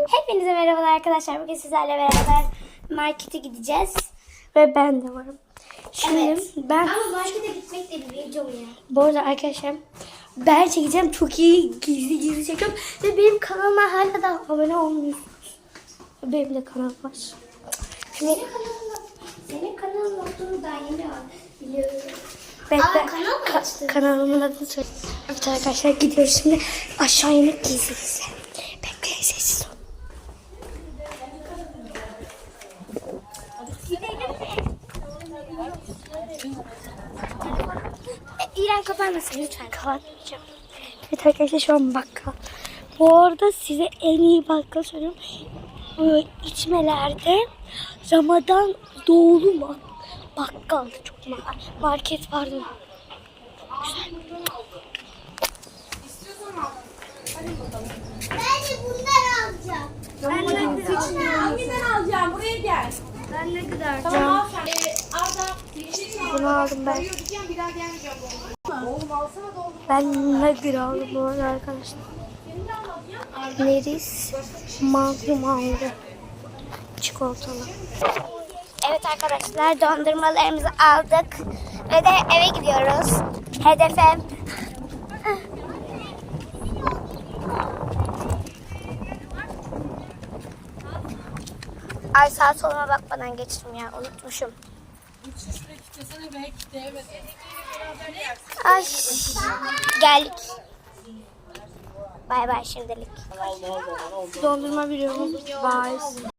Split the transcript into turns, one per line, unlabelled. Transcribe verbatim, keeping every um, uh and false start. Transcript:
Hepinize merhabalar arkadaşlar. Bugün sizlerle beraber markete gideceğiz. Ve ben de varım. Şimdi
Evet.
ben...
Ama markete gitmek de bir video ya.
Bu arada arkadaşlar ben çekeceğim. Çok iyi gizli gizli çekiyorum. Ve benim kanalıma hala da abone olmuyorsunuz. Benim de kanalım var. Şimdi...
Senin kanalın, senin kanalın olduğunu daha yeni biliyorum.
Bekle.
Aa, kanal mı
Ka-
açtın?
kanalımın adını söyle. Evet arkadaşlar gidiyoruz şimdi. Aşağı inip gizli gizli. Bekleyin, sessiz ol. E, İrem kapanmasın lütfen. Kapatmayacağım. Evet arkadaşlar şu an bakkal. Bu arada size en iyi bakkal söylüyorum. Böyle içmelerde Ramazan doğulu mu? Bakkal çok ma- market vardı.
Ben de bunları alacağım.
Ben ne kadar
Hanginden alacağım? Buraya gel.
Ben ne kadar
Tamam al sen. Ee, Arda yeşil
Bunu aldım ben.
diyeceğim bir daha gelmeyeceğim. Oğlum alsana doldur.
Ben ne kadar aldım bu arada arkadaşlar. Neris Magnum aldı. Çikolatalı. Evet arkadaşlar dondurmalarımızı aldık. Ve de eve gidiyoruz. Hedefim. Ay sağ soluma bakmadan geçtim ya. Unutmuşum. Ay geldik. Bay bay şimdilik. Dondurma biliyorum. Vay.